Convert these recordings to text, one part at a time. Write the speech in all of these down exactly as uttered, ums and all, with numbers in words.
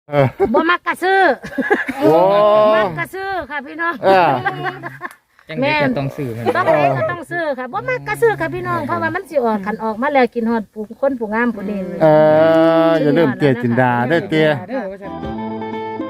เออบ่มักกระซื้อโอ้มักกระซื้อค่ะพี่น้องเออจังไดก็ต้องซื้อมันต้องไหนก็ต้องซื้อค่ะบ่มักกระซื้อค่ะพี่น้องเพราะว่ามันสิออกขันออกมาแล้วกินฮอดผู้คนผู้งามผู้นี้เอออย่าลืมเจจินดาเด้อเตี้ยเด้อว่าซั่น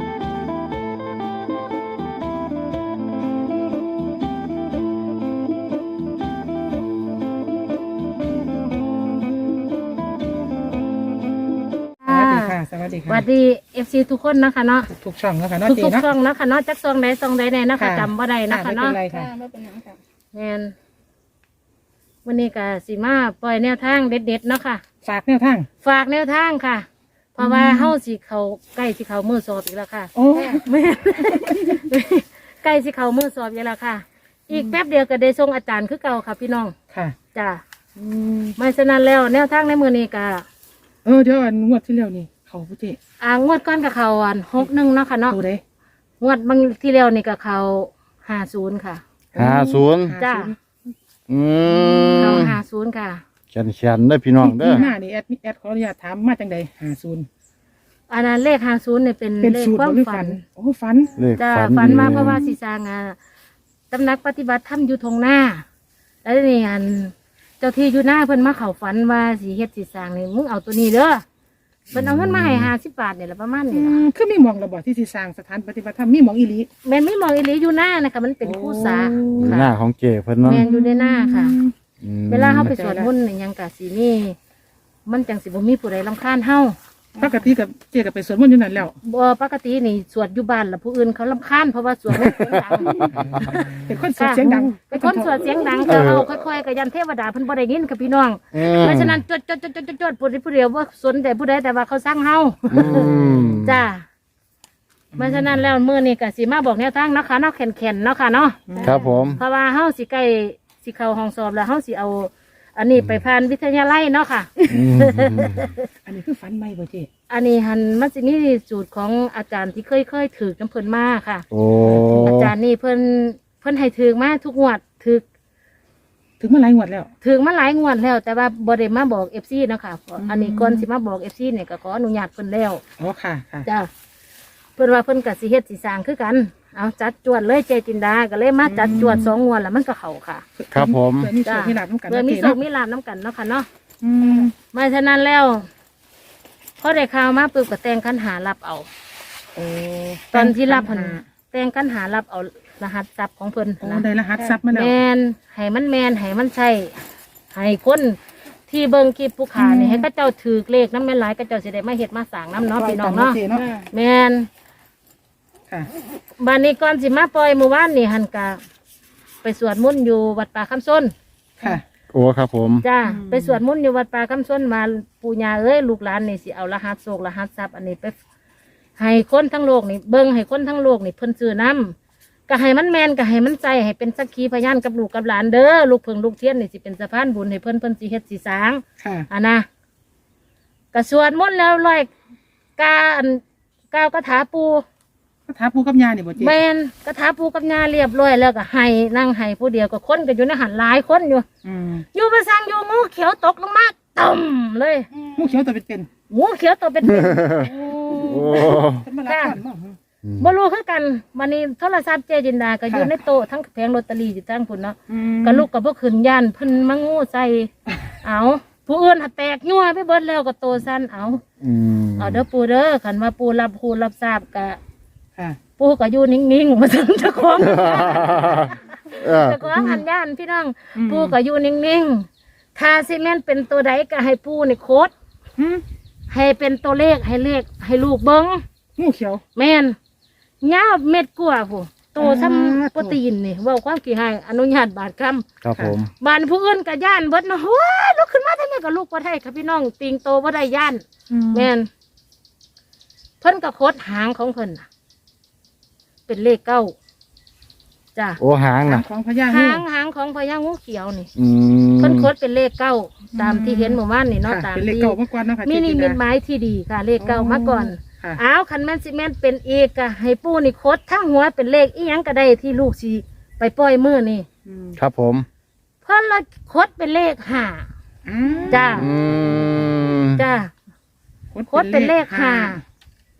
อ่าสวัสดีสค่ะวัสดี เอฟ ซี ทุกคนนะคะเนาะทุกๆช่องแล้วค่ะเนาะทุกเจ๊ทุกเนาะช่องนะคะเนาะจักซองใดซองใดแน่นะคะค่ะจำบ่ได้นะคะไม่เป็เนาะนไรค่ะแม่นวันนี้ก็สิมาปล่อยแนวทางเด็ดๆเนาะค่ะฝากแนวทางฝากแนวทางค่ะ เพราะว่าเฮาสิเขาใกล้สิเขามือสอบอีกแล้วค่ะโอ้แม่ ใกล้สิเขามือสอบอีกแล้วค่ะ อีกแป๊บเดียวก็ได้ส่งอาจารย์คือเก่าค่ะ พี่น้องค่ะจ้ะไม่ฉะนั้นแล้วแนวทางในมือนี้ก็เออเดี๋ยวอันงวดที่แล้วนี่เขาพุเจ๊อ่างวดก้อนกับเขาอันหกหนึ่งเนาะค่ะเนาะตัวใดงวดบางที่แล้วนี่ก็เขาห้าศูนย์ค่ะห้าศูนย์จ้ะอืเขามห้าศูนย์ค่ะแขนแขนเด้อพี่น้องเด้อที่มานี่แอดแอดขออนุญาตถามมาจังใดห้าศูนย์อันนั้นเลขห้าศูนย์เนี่ยเป็นเป็นเลขสูตรความบ่หรือฝัฝันนโอ้ฝันเลขจ้ะฝันฝันมาดีเพราะว่าสีสร้างอ่ะตำนักปฏิบัติธรรมอยู่ทงหน้า แล้วนี่อันเจ้าที่อยู่หน้าเพิ่นมาเข้าฝันว่าสีเฮ็ดสีสร้างนี่มึงเอาตัวนี้เด้อเพิ่นเอาเงินมาให้ห้าสิบบาทเนี่ยแหละประมาณอืนี้ล่ะมคือมีหมองระบอที่สิสร้างสถานปฏิบัติธรรมมีหมองอีหลีแม่นไม่มองอีหลีอยู่หน้านะคะมันเป็นคู่สาอยู่หค่ะน้าของเจเพิ่นเนาะแม่นอยู่ในหน้าค่ะอืมเวลาเฮาไปสวดมนต์นี่ยังกะสิมีมันจังสิบ่มีผู้ใดรำคาญเฮาปกติกับเจ๊กับไปสวดมนต์อยู่นั่นแล้วบ่ปกตินี่สวดอยู่บ้านแล้วผู้อื่นเขารำคาญเพราะว่าสวดไม่เสียงดังเป็นคนสวดเสียงดังเป็นคนสวดเสียงดังก็เอาค่อยๆกับยันเทวดาเพิ่นบ่ได้ยินค่ะพี่น้องอืมเพราะฉะนั้นจดจดจดจดจดจดผู้ใดผู้เดียวว่าสนแต่ผู้ใดแต่ว่าเขาสร้างเฮาอืมจ้าเพราะฉะนั้นแล้วมื้อนี้ก็สิมาบอกแนวทางเนาะค่ะเนาะแข็งๆเนาะค่ะเนาะครับผมเพราะว่าเฮาสิใกล้สิเข้าห้องสอบแล้วเฮาสิเอา อันนี้ไปผ่านวิทยาลัยเนาะค่ะอืมอันนี้คือฝันใหม่บ่เจ๊อันนี้หันมันสิมีสูตรของอาจารย์ที่เคยเคยถือน้ำเพิ่นมาค่ะโอ้อาจารย์นี่เพิ่นเพิ่นให้ถือมาทุกงวดถือถึงมาหลายงวดแล้วถือมาหลายงวดแล้ว แต่ว่าบ่ได้มาบอก เอฟ ซี เนาะค่ะอืมอันนี้ก่อนสิมาบอก เอฟ ซี เนี่ยก็ขออนุญาตเพิ่นแล้วอ๋อค่ะค่ะจ้าเพิ่นว่าเพิ่นก็สิเฮ็ดสิสร้างคือกันเอาจัดจวดเลยเจจินดาก็เลยมาจัดจวดสองงวดแล้วมันก็เข้าค่ะครับผมเพื่อมีโชคมีลาภน้ำกันเพื่อนะมีเจ๊โชเนาะคมีลาภน้ำกันเนาะค่ะเนาะอืมไม่ฉะนั้นแล้วพอได้ข่าวมาปุ๊บก็แต่งคันหารับเอาโอ้ตอนที่รับหันแต่งกันหารับเอารหัสทรัพย์ของเพิ่นโอ้นะได้รหัสทรัพย์มาแล้วแมนให้มันแมนให้มันใช่ให้คนที่เบิ่งคลิปผู้ขานี่ให้ก็เจ้าถือเลขน้ำแม่นหลายก็เจ้าสิได้มาเฮ็ดมาสร้างน้ำเนาะพี่น้องเนาะจ๊เนาะแมนค่ะบัดนี้ก่อนสิมาปล่อยเมื่อวานนี่หันกะไปสวดมนต์อยู่วัดป่าคำส้นค่ะโอ้ครับผมจ้าอืมไปสวดมนต์อยู่วัดป่าคำส้นมาปู่ย่าเอ้ยลูกหลานนี่สิเอารหัสโศกรหัสทรัพย์อันนี้ไปให้คนทั้งโลกนี่เบิ่งให้คนทั้งโลกนี่เพิ่นซื้อน้ำก็ให้มันแมนก็ให้มันใจให้เป็นสักขีพยานกับลูกกับหลานเด้อลูกเพิงลูกเทียนนี่สิเป็นสะพานบุญให้เพิ่นเพิ่นสิเฮ็ดสิสร้างค่ะอันนะก็สวดมนต์แล้วร้อยกาอันก้าวกระถาปูก็ถามปู่กับย่านี่บ่เจ๊แมนกระถาปูกับยาเรียบร้อยแล้วก็ให้นั่งให้ผู้เดียวก็คนก็อยู่ในหันหลายคนอยู่อืมอยู่ประสังอยู่งูเขียวตกลงมาต่ำเลยงูเขียวตัวเป็นงูเขียวตัวเป็นโอ้ๆเป็นมารับก่อนเนาะบ่รู้คือกันวันนี้โทรศัพท์เจจินดาก็อยู่ในโต๊ะทั้งแผงลอตเตอรี่อยู่ทั้งพุ่นเนาะอืมก็ลูกกับพวกขืนยันเพิ่นมางูใส่เอาผู้อื่นหัดแตกยั่วไปเบิดแล้วก็โตสั้นเอาอืมเอาเด้อปูเด้อขันว่าปูรับปูรับทราบกะค่ะปูก็อยู่นิ่งๆมาถึงเจ้าของเออเจ้าของหันย่านพี่น้องอืมปูก็อยู่นิ่งๆถ้าซีเมนเป็นตัวใดก็ให้ปูนี่โคดอืมให้เป็นตัวเลขให้เลขให้ลูกเบิ้งงูเขียวแม่นยาวเม็ดกว่าผู้โตซ้อ่าำโปรตีนนี่เว่าความกี่ให้อนุญาตบาทคครับผมำบานผู้อื่นก็ย่านเบิดเนาะว้าลุกขึ้นมาทำไมก็ลูกบ่ได้ค่ะพี่น้องติงโตบ่ได้ย่าน แม่นเพิ่นก็โคดหางของเพิ่นน่ะเป็นเลขเก้าจ้ะโอ้หางหางนะของพญางูหางหางของพญางูเขียวนี่อืมเพิ่นโคดเป็นเลขเก้าตามที่เห็นเมื่อวานนี่เนาะค่ะตามเป็นเลขที่เก่ามาก่อนเนาะค่ะมีนิเจ๊จิมิตดาหมายที่ดีค่ะ เลขเก้ามาก่อนค่ะอ้าวคันแม่นสิแม่นเป็นอีกก็ให้ปู่นี่โคดทั้งหัวเป็นเลขอีหยังก็ได้ที่ลูกสิไปปล่อยมือนี่อืมครับผมเพิ่นละโคดเป็นเลขห้าอืมจ้าอืมจ้าโคดเป็นเลขห้า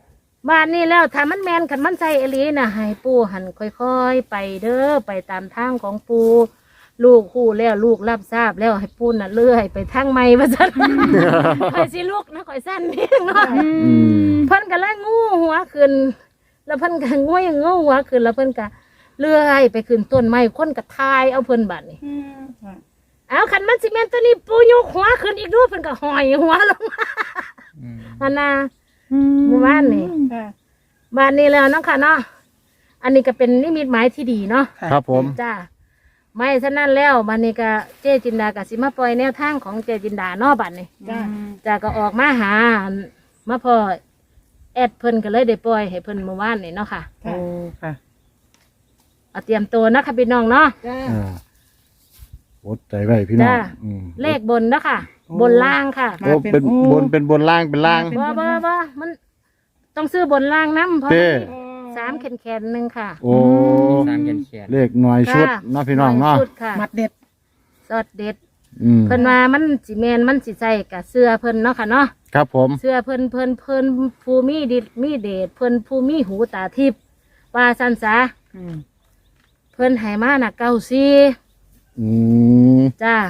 บ้านนี้แล้วถ้ามันแมนขันมันใจเอหลีนะให้ปู่หันค่อยๆไปเด้อไปตามทางของปู่ลูกคู่แล้วลูกรับทราบแล้วให้ปู่น่ะเลื่อยไปทางไม่ว่าซั่น คอยสิลูกนะคอยสั้นนี่เนาะอืมเพิ่นก็เลยงูหัวขึ้นแล้วเพิ่นก็งวยงูหัวขึ้นแล้วเพิ่นก็เลื่อยไปขึ้นต้นไม้คนก็ทายเอาเพิ่นบัดนี่อืมค่ะเอาคันมันสิแม่นตัวนี้ปู่ยกหัวขึ้นอีกดูเพิ่นก็ห้อยหัวลงมาอืมอันน่ะ หมู่บ้านนี่ค่ะบ้านนี้แล้วเนาะค่ะเนาะอันนี้ก็เป็นนิมิตหมายที่ดีเนาะค่ะครับผมจ้าไม่ฉะนั้นแล้วบ้านนี้ก็เจจินดาก็สิมาปล่อยแนวทางของเจจินดาเนาะบัดนี้จ้าจ้าก็ออกมาหามาพอแอดเพิ่นก็เลยได้ปล่อยให้เพิ่นเมื่อวานนี่เนาะค่ะโอ้ค่ะเอาเตรียมตัวนะคะพี่น้องเนาะจ้าอ่าอดใจไว้พี่น้องจ้าอืมเลขบนเนาะค่ะโอ้บนล่างค่ะโอ้เป็นบนเป็นบนล่างเป็นล่างบ่บ่บ่มันต้องซื้อบนล่างน้ำเพราะเต้มันสามแขนแขนหนึ่งค่ะโอ้สามเขียนเขียนเลขหน่วยชุดค่ะเนาะพี่น้องเนาะชุดค่ะมัดเด็ดสอดเด็ดอืมเพิ่นว่ามันสิแมนมันสิใส่กับเสื้อเพิ่นเนาะค่ะเนาะครับผมเสื้อเพิ่นเพิ่นเพิ่นผู้มีดิดมีเดชเพิ่นผู้มีหูตาทิพย์ว่าสันสาอืมเพิ่นให้มาน่ะเก้าสี่อืมจ้า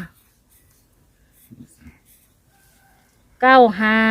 เก้าห้า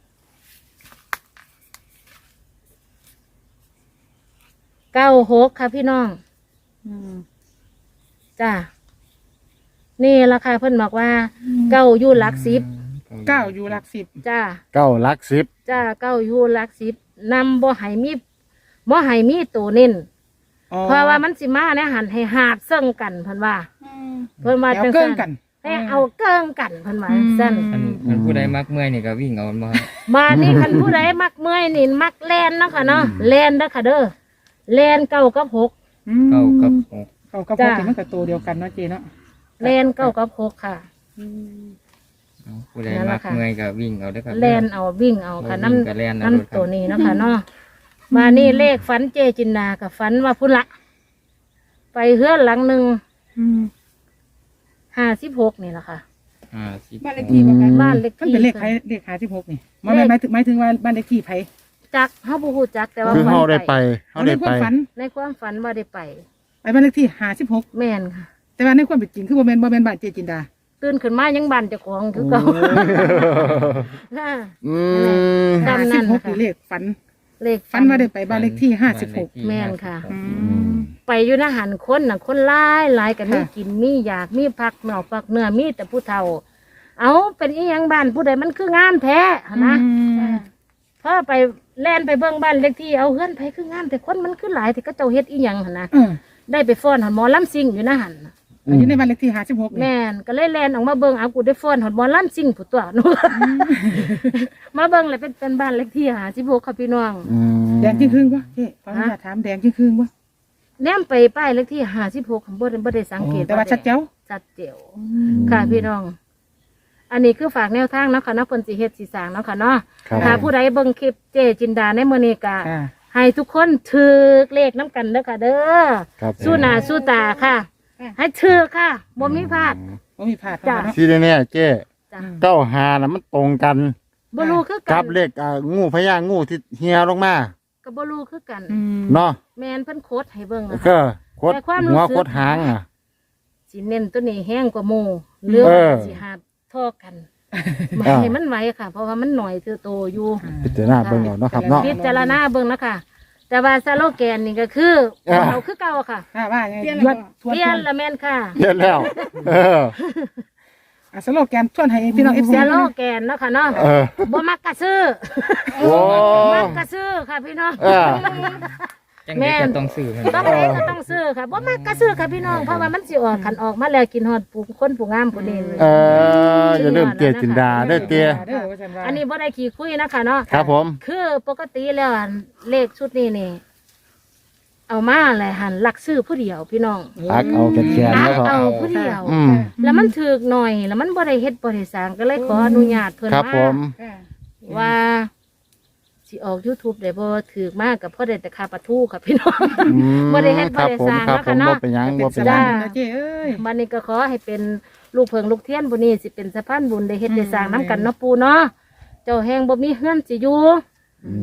เก้าหกค่ะพี่น้องอืมจ้านี่ราคาเพิ่นบอกว่าเก้าอยู่หลักสิบเก้าอยู่หลักสิบจ้าเก้าหลักสิบจ้าเก้าอยู่หลักสิบนำบ่ให้มีบ่ให้มีตัวเน้นอ๋อเพราะว่ามันสิมาเนี่ยหันให้หาดเซิ่งกันเพิ่นว่าอืมเพิ่นว่าเดี๋ยวจังเกิซั่นนกันให้เอาเกิ้งกันเพิ่นว่าอืมซั่นอันอันผู้ใดมักเมื่อยนี่ก็วิ่งเอามาครับมานี่คันผู้ใดมักเมื่อยนี่มักแล่นเนาะค่ะเนาะแล่นเด้อค่ะเด้อแล่นเก้ากับหกอืมเก้ากับหกเก้ากับจ้าหกนี่มันกับตัวเดียวกันเนาะเจเนาะแล่นเก้ากับหกค่ะอืมเอาผู้ใดมักเมื่อยก็วิ่งเอาเด้อครับแล่นเอาวิ่งเอาค่ะบ่วิ่งก็น้ำแล่นเอาน้ำตัวนี้เนาะค่ะเนาะมานี่เลขฝันเจจินดากับฝันว่าพุ่นละไปเฮือนหลังหนึ่งอืมห้าสิบหกนี่แหละค่ะอ่าสิบบ้านเลขที่บ่คะบ้านเลขมันที่เป็นเลขไผเลขหาสิบหกนี่หมายหมายถึงหมายถึงว่าบ้านเลขที่ไผจักเฮาบ่ฮู้จักแต่ว่าคือฝันเฮาได้ไปเฮาเอาในได้ควาไปมฝันในความฝันว่าได้ไปไปบ้านเลขที่หาสิบหกแม่นค่ะแต่ว่าในความเป็นจริงคือบ่แม่นบ่แม่นบ้านเจจินดาตื่นขึ้นมายังบ้านเจ้าของคือเก่าค่ะอืมจำนั่ห้าน สิบหกค่ะนี่เลขฝันเลขฝันว่าได้ไปบ้านเลขที่ห้าสิบหกแม่นค่ะอืมไปอยู่นะหันคนน่ะคนหลายหลายกันมีค่ะกินมีอยากมีผักเหนาผักเนื้อมีแต่ผู้เฒ่า เอาเป็นอีหยังบ้านผู้ใดมันคืองามแท้หั่นนะอืมพอไปแล่นไปเบิ่งบ้านเลขที่เอาเฮือนไปคืองามแต่คนมันคือหลายแต่ก็เจ้าเฮ็ดอีหยังหั่นนะเออได้ไปฟ้อนหอนหมอลำซิ่งอยู่นะหันน่ะอยู่ในบ้านเลขที่ห้าสิบหกนี่แม่นก็เลยแล่นออกมาเบิ่งเอากูได้ฟ้อนหอนหมอลำซิ่งผู้ตัวหนู มาเบิ่งเลยเป็นเป็นบ้านเลขที่หาสิบหกค่ะพี่น้องอืมแดงจริงครึ่งวะเจ๊ขออนุญาตถามแดงจริงครึ่งวะแนมไปป้ายเลขที่หาสิบหกของบ่ได้บ่ได้สังเกตแต่ว่าชัดเจ้าชัดเจ๋วค่ะพี่น้อง อันนี้คือฝากแนวทางเนาะค่ะเนาะเพิ่นสิเฮ็ดสิสร้างเนาะค่ะเนาะครับถ้าผู้ใดเบิ่งคลิปเจจินดาในมื้อนี้ก็ค่ะให้ทุกคนถือเลขน้ำกันเด้อค่ะ เด้อครับสู้หน้าสู้ตาค่ะ ให้ถือค่ะบ่มีพลาดบ่มีพลาดจ้ะเนาะที่แน่ๆเจ้จ้ะเก้าหาน่ะมันตรงกันบ่รู้คือกักับนเลขอ่างูพญางูที่เฮียลงมาก็บ่รู้คือกันอืมเนาะแม่นเพิ่นโคดให้เบิ่งอะก็ค่ะโคตรแต่ความรู้หัวสึกโคตรหางอ่ะสิเน้นตัวนี้แห้งกว่าหมู่เรื่องเออสิหาบท่อกันบ่อ่าให้มันไหวค่ะ เพราะว่ามันหน่อยคือโตอยู่พิจารณาเบิ่งเอาเนาะครับเนาะพิจารณาเบิ่งนะคะแต่ว่าสโลแกนนี่ก็คืออ่าเราคือเก่าค่ะค่ะว่าไงเปลี่ยนยแล้ววดก็ทวนเปลี่ยนละแม่นค่ะเรียนแล้ว เอออ่ะสโลแกนทวนให้พี่น้อง เอฟสซีโลแกนเนาะค่ะเนาะเออบ่มักกะซื้อโอ้มักกะซื้อค่ะพี่น้องเออจังได๋ก็ต้องซื้อมันต้องเองก็ต้องซื้อค่ะบ่มักกะซื้อค่ะพี่น้องเพราะว่ามันสิออกคันออกมาแล้วกินฮอดผู้คนผู้งามผู้นี้เอออย่าลืมเจจินดาเด้อเตี้ยเด้อว่าซั่นว่าอันนี้บ่ได้ขี้คุยนะคะเนาะครับผมคือปกติแล้วอันเลขชุดนี้นี่ เอามาเลยหันหลักซื้อผู้เดียวพี่น้องอักเอาแขนหๆลัแล้วกก็เอาผู้เดียวอืมแล้วมันถือกหน่อย แล้วมันบ่ได้เฮ็ดบ่ได้สร้างก็เลยขออนุญาตเพิ่นครับผว่ามค่ะว่าสิออก YouTube ได้บ่ถือกมากกับพ่อได้แต่ค่าปลาทูค่ะพี่น้องอืมบ่ได้เฮ็ดครับผมบ่ได้สร้างครับผมเนาะบ่เป็นหยังเป็บ่นเป็สนหยับายงนะเจ้เอ้ยบัดนี้ก็ขอให้เป็นลูกเพิงลูกเทียนบุนี้สิเป็นสะพานบุญได้เฮ็ดได้สร้างน้ำกันเนาะปูเนาะเจ้าแฮงบ่มีเฮือนสิอยู่อืม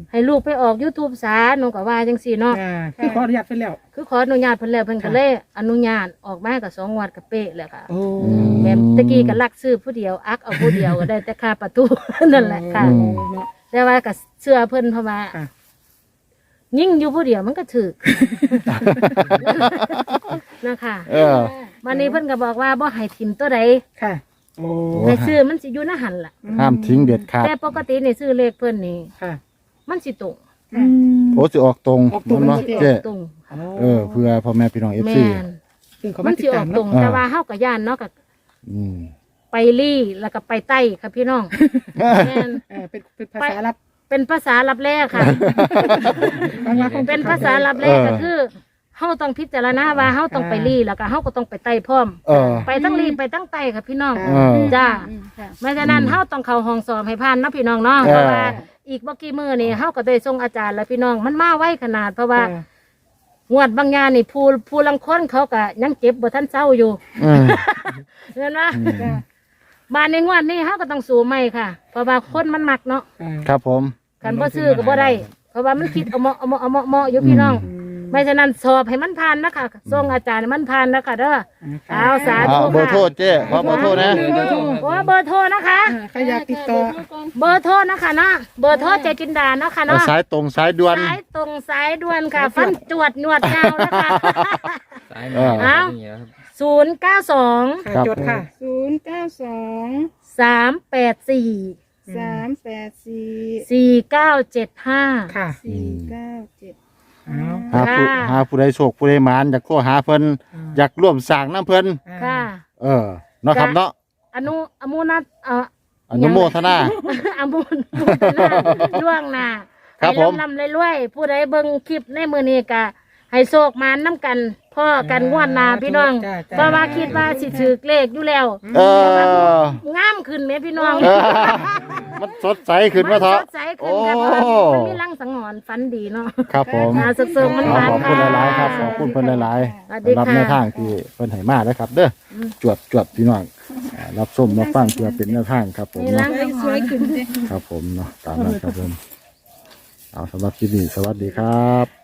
ให้ลูกไปออก YouTube ซะหนูก็ว่าจังซี่เนาะอ่าคือขออนุญาตไปแล้วคือขออนุญาตเพิ่นแล้วเพิ่นก็ค่ะเลยอนุญาตออกมาก็สองงวดก็เป๊ะแล้วค่ะโอ้แม่ตะกี้ก็ลักซื้อผู้เดียวอักเอาผู้เดียวก็ได้แต่ค่าประตู นั่นแหละค่ะโอ้เนาะแต่ว่าก็เชื่อเพิ่นเพราะว่าค่ะยิ่งอยู่ผู้เดียวมันก็ถูก นะคะเออวันนี้เพิ่นก็บอกว่าบ่ให้ทิมตัวใดค่ะโอ้ให้ซื้อมันสิอยู่ในหันล่ะห้ามทิ้งเด็ดขาดแต่ปกตินี่ซื้อเลขเพิ่นนี่ค่ะมันสิตรงอืมโอ้สิออกตรงออกตรงมันมันเนาะสิอเจ๊อกตรงเออเพื่อพ่อแม่พี่น้อง เอฟแม่ซีนซึ่งเขามัมาน ติสิดอตาอมกตรงเนาะแต่ว่าเฮาก็ย่านเนาะก็อืมไปลี่แล้วก็ไปใต้ค่ะพี่น้องแม่นเออเป็นเป็นภาษาลับเป็นภาษาลับแรกค่ะบางวันคงเป็นภาษาลับแรกก็คือเฮาต้องพิจารณาว่าเฮาต้องไปลี่แล้วก็เฮาก็ต้องไปใต้พร้อมเออไปทั้งลี่ไปทั้งใต้ค่ะพี่น้องเออจ้าค่ะไม่ฉะนั้นเฮาต้องเข้าห้องสอบให้ผ่านเนาะพี่น้องเนาะเออเพราะว่าอีกบ่กี่มื้อนี่เฮาก็ได้ส่งอาจารย์แล้วพี่น้องมันมาไวขนาดเพราะว่าเอองวดบางอย่างนี่ผู้ผู้ลังคนเขาก็ยังเจ็บบ่ทันเศร้าอยู่อืมเห็นไหมอืมบ้านในงวดนี้เฮาก็ต้องสู้ใหม่ค่ะ เพราะว่าคนมันมักเนาะเออครับผมคันบ่ซื้อก็บ่ได้เพราะว่ามันคิดเอาเหมาะเอาเหมาะเอาเหมาะเหมาะอยู่พี่น้องอืมไม่ฉะนั้นสอบให้มันผ่านนะคะส่งอาจารย์ให้มันผ่านนะคะเด้อเอาสาเอาธุเบอร์โทรค่ะเจ๊ขอเบอร์โทรนะโอ้เบอร์โทรนะคะอ่าใครอยากติดต่อเบอร์โทรนะคะเนาะเบอร์โทรเจจินดาเนาะค่ะเอาเนาะสายตรงสายด่วนสายตรงสายด่วนค่ะ ฟันจวดหนวดยาวนะคะสายมือเออแบบนี้ครับศูนย์เก้าสองค่ะครับจดค่ะศูนย์เก้าสองสามแปดสี่สามแปดสี่สี่เก้าเจ็ดห้าค่ะสี่เก้าเจ็ดเอาหาผู้ค่ะหาผู้ใดโชคผู้ใดหมานอยากโทรหาเพิ่นอยากร่วมสร้างน้ำเพิ่นค่ะเออเนาะครับเนาะอนุอมุนัทเอ่ออนุโมทนาอมุนมุนหน้าล่วงหน้าครับผมให้ลำลำรวยๆผู้ใดเบิ่งคลิปในมือนี้ก็ให้โชคมานน้ำกันพ่อกันงวดหนาพี่น้องจ้าจ้าเพราะว่าคิดว่าสิถือเลขอยู่แล้วเอองามขึ้นไหมพี่น้องเออ มันสดใสขึ้นมาเถอะสดใสขึ้นค่ะเพราะว่ามันมีรังสังหรณ์ฝันดีเนาะครับผมอ่าสุกๆมันขหอวานขอบคุณค่ะหลายๆครับ ขอบคุณเพิ่นหลายสวัสๆดีสำหรับค่ะแนวทางที่เพิ่นให้มาแล้วครับ เด้ออจวดจวดพี่น้องอ่ารับส้มรับฟังเพื่อเป็นแนวทางครับผมมีรัเนาะงสวยขึ้นเลยครับผมเนาะตามนั้นครับผมเอาสำหรับคลิปนี้สวัสดีครับ